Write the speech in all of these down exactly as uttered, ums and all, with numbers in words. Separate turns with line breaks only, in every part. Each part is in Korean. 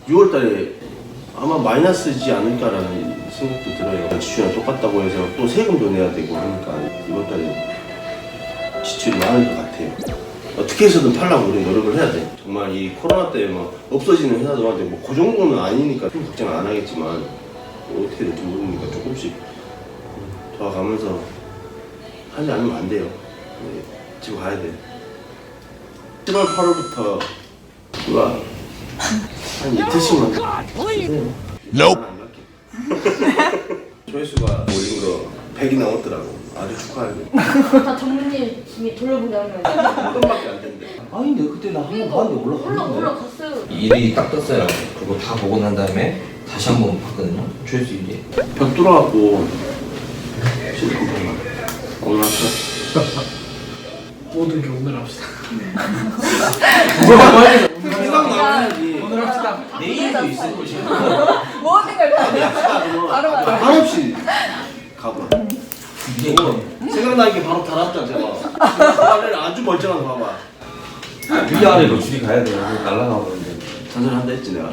유월 달에 아마 마이너스지 않을까라는 생각도 들어요. 지출이랑 똑같다고 해서 또 세금도 내야 되고 하니까 이번 달에 지출이 많을 것 같아요. 어떻게 해서든 팔려고 우리 노력을 해야 돼. 정말 이 코로나 때문에 막 없어지는 회사들한테 뭐 그 정도는 아니니까 좀 걱정 안 하겠지만 뭐 어떻게 될지 모르니까 조금씩 도와가면서 하지 않으면 안 돼요. 네, 집에 가야 돼. 칠월 팔월부터 누가 한 이틀씩만 주세요.
Nope.
조회수가 올린 거 백이 넘었더라고. 아주 축하해요.
다 전무님이 돌려보게 하는 거예요.
한 번밖에 안 된대.
아닌데 그때 나 한 번
그러니까
봤는데
올라
올라갔는데.
올라갔어요.
일이 딱 떴어요. 그리고 다 보고 난 다음에 다시 한 번 봤거든요. 조회수 일이.
벽 뚫어갖고 실컷 보면 오늘 합시다.
모든 게 오늘 합시다.
생각 나야지.
오늘 합시다.
내일도 있을 것이야.
모든 걸 다.
바로 바로 한없이 가봐.
이게
생각나는 게 바로 달았다 제가. 아주 멀쩡한 거 봐봐.
위아래로 줄이 가야 돼요. 날라가 버는데.
잔소리한다 했지 내가.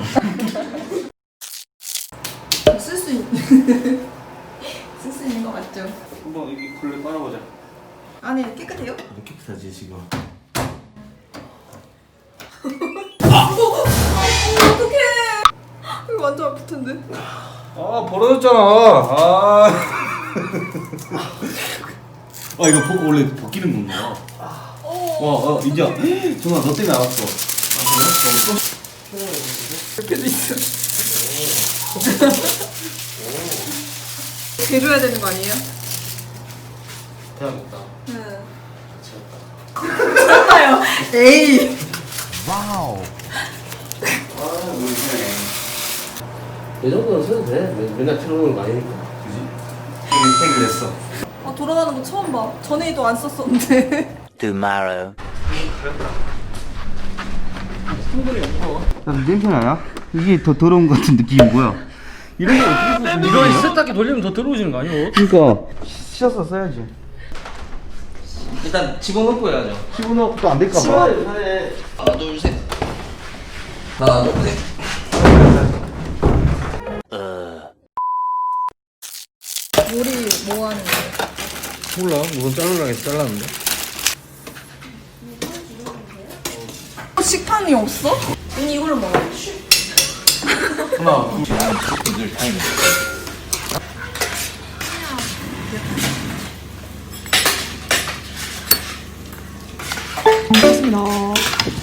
쓸 수 있는 쓸 수 있는 거 맞죠?
한번 여기 걸레 빨아보자.
안에 깨끗해요?
깨끗하지 지금.
어떡해. 이거 완전 아플 텐데.
아 벌어졌잖아. 아.
아 이거 보고 원래 벗기는 건가? 와, 어, 인자. 정아 너 때문에 알았어.
이렇게도 있어. 개줘야 되는 거 아니에요?
대단했다.
네. 미쳤나요? 에이.
이 정도는 써도 돼. 맨- 맨날 틀어놓는 거 아니니까.
팩을 냈어.
아 돌아가는 거 처음 봐. 전에도 안 썼었는데.
Tomorrow.
야, 냄새 나냐? 이게 더 더러운 것 같은 느낌이 뭐야? 이런 거 어떻게 쓰지?
이거 세탁기 돌리면 더 들어오지는 거 아니에요?
그러니까 씻어서 써야지.
일단 집어넣고 해야죠.
집어넣고 또 안 될까 봐.
하나 둘 셋. 하나 둘 셋.
요리 뭐 하는 거예요?
몰라. 무슨 자르려고 해서 잘랐는데.
식판이 없어? 언니 이걸로 먹어.
하나,
늘 타임.
고맙습니다.